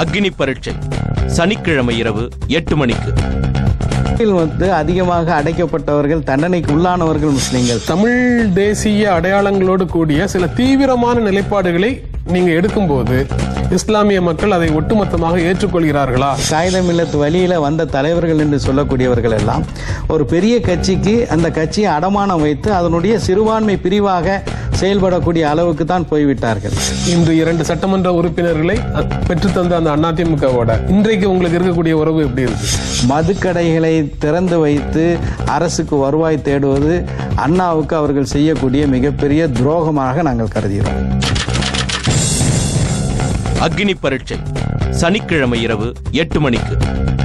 அக்னி பரீட்சை சனிக்கிழமை இரவு 8 மணிக்கு. அதிகமாக அடைக்கப்பட்டவர்கள், தண்டனைக்கு உள்ளானவர்கள் முஸ்லிம்கள். தமிழ் தேசிய அடையாளங்களோடு கூடிய சில தீவிரமான நிலைப்பாடுகளை நீங்க எடுக்கும்போது இஸ்லாமிய மக்கள் அதை ஒட்டுமொத்தமாக ஏற்றுக்கொள்கிறார்களா? காயிதே மில்லத் வழியில வந்த தலைவர்கள் என்று சொல்லக்கூடியவர்கள் எல்லாம் ஒரு பெரிய கட்சிக்கு அந்த கட்சியை அடமானம் வைத்து அதனுடைய சிறுபான்மை பிரிவாக செயல்படக்கூடிய அளவுக்கு தான் போய்விட்டார்கள். இன்று 2 சட்டமன்ற உறுப்பினர்களை பெற்றுத்தந்த அந்த அதிமுகவோட இன்றைக்கு உங்களுக்கு இருக்கக்கூடிய உறவு எப்படி இருக்கு? மதுக்கடைகளை திறந்து வைத்து அரசுக்கு வருவாய் தேடுவது அண்ணாவுக்கு அவர்கள் செய்யக்கூடிய மிகப்பெரிய துரோகமாக நாங்கள் கருதுகிறோம். அக்னி பரீட்சை சனிக்கிழமை இரவு 8 மணிக்கு.